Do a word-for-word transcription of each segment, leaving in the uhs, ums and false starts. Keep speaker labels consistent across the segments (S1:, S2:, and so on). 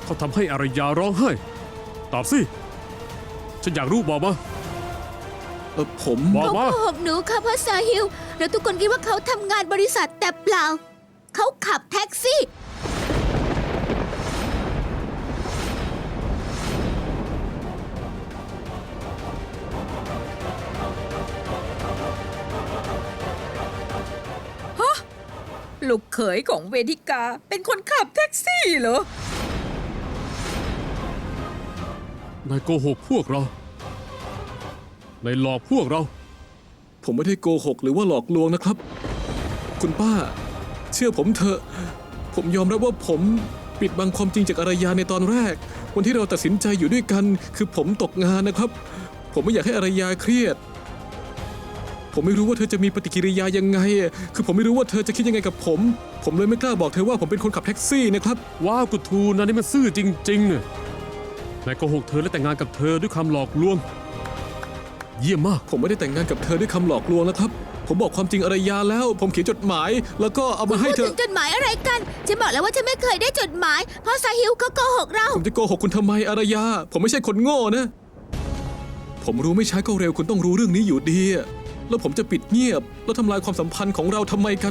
S1: เขาทำให้อารยาร้องไห้ตอบสิฉันอยากรู้บอกมา
S2: เออผม
S1: บอก
S3: เขา
S1: มา
S3: โกหกหนูค่ะพ่อซาฮิลเราทุกคนคิดว่าเขาทำงานบริษัทแต่เปล่า เขาขับแท็กซี่
S4: ลูกเขยของเวทิกาเป็นคนขับแท็กซี่เหรอ
S1: นายโกหกพวกเรานายหลอกพวกเรา
S2: ผมไม่ได้โกหกหรือว่าหลอกลวงนะครับ คุณป้า เชื่อผมเถอะ ผมยอมรับว่าผมปิดบังความจริงจากอารยาในตอนแรก วันที่เราตัดสินใจอยู่ด้วยกัน คือผมตกงานนะครับ ผมไม่อยากให้อารยาเครียด ผมไม่รู้ว่าเธอจะมีปฏิกิริยายังไง คือผมไม่รู้ว่าเธอจะคิดยังไงกับผม ผมเลยไม่กล้าบอกเธอว่าผมเป็นคนขับแท็กซี่นะครับ
S1: ว้าวกุทูนายนี่มันซื่อจริงๆเนี่ยนายโกหกเธอและแต่งงานกับเธอด้วยคำหลอกลวง เยี่ยมมาก
S2: ผมไม่ได้แต่งงานกับเธอด้วยคำหลอกลวงนะครับ ผมบอกความจริงอารยาแล้ว ผมเขียนจดหมาย แล้วก็เอามาให้
S3: พูด
S2: เธ
S3: ถึ
S2: อ
S3: งจดหมายอะไรกันฉันบอกแล้วว่าฉันไม่เคยได้จดหมายพ่อซาฮิลเขาโกหกเรา
S2: ผมจะโกหกคุณทำไมอารยา ผมไม่ใช่คนโง่นะ ผมรู้ไม่ช้าก็เร็วคุณต้องรู้เรื่องนี้อยู่ดีอะแล้วผมจะปิดเงียบ แล้วทำลายความสัมพันธ์ของเราทำไมกัน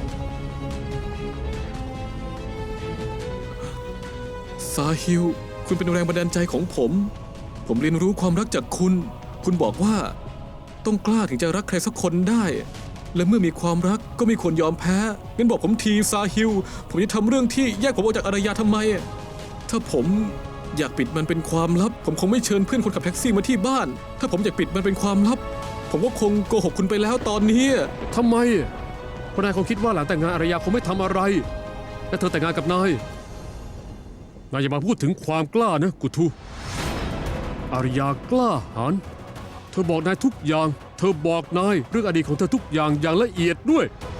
S2: ซาฮิล คุณเป็นแรงบันดาลใจของผม ผมเรียนรู้ความรักจากคุณ คุณบอกว่าต้องกล้าถึงจะรักใครสักคนได้ และเมื่อมีความรักก็ไม่ควรยอมแพ้งั้นบอกผมทีซาฮิล ผมจะทำเรื่องที่แยกผมออกจากอารยาทำไม ถ้าผมอยากปิดมันเป็นความลับ ผมคงไม่เชิญเพื่อนคนขับแท็กซี่มาที่บ้าน ถ้าผมอยากปิดมันเป็นความลับ ผมก็คงโกหกคุณไปแล้วตอนนี้
S1: ทำไมเพราะนายคงคิดว่าหลังแต่งงานอารยาคงไม่ทำอะไร และเธอแต่งงานกับนาย นายอย่ามาพูดถึงความกล้านะกุทูอารยากล้าหาญเธอบอกนายทุกอย่าง เธอบอกนายเรื่องอดีตของเธอทุกอย่างอย่างละเอียดด้วย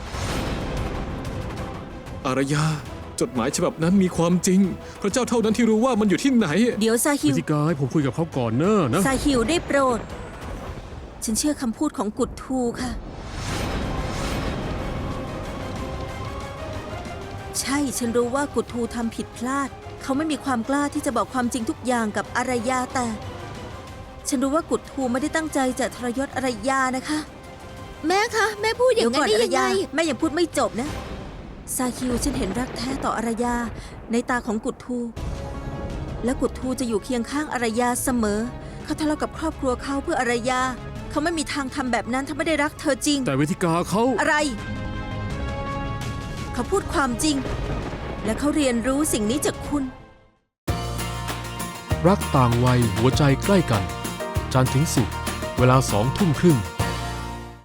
S2: อารยา จดหมายฉบับนั้นมีความจริง พระเจ้าเท่านั้นที่รู้ว่ามันอยู่ที่ไหน
S5: เดี๋ยวซาฮิ
S1: วิ
S5: ว
S1: ธีการให้ผมคุยกับเขาก่อนเนอะนะ
S5: ซาฮิวได้โปรด ฉันเชื่อคำพูดของกุดทูค่ะ ใช่ฉันรู้ว่ากุดทูทำผิดพลาด เขาไม่มีความกล้าที่จะบอกความจริงทุกอย่างกับอารยาแต่ ฉันรู้ว่ากุดทูไม่ได้ตั้งใจจะทรยศอารยานะคะ
S3: แม่คะ แม่พูดอย่างนั้นได้
S5: อาร
S3: ยังไง
S5: ยาแม่ยังพูดไม่จบนะ ซาฮิวฉันเห็นรักแท้ต่ออารยาในตาของกุดทู และกุดทูจะอยู่เคียงข้างอารยาเสมอ เขาทะเลาะกับครอบครัวเขาเพื่ออารยา เขาไม่มีทางทำแบบนั้นถ้าไม่ได้รักเธอจริง
S1: แต่วิธีการเขา
S5: อะไร เขาพูดความจริง และเขาเรียนรู้สิ่งนี้จากคุณ
S6: รักต่างวัยหัวใจใกล้กัน จันทร์ถึงศุกร์เวลาสองทุ่มครึ่ง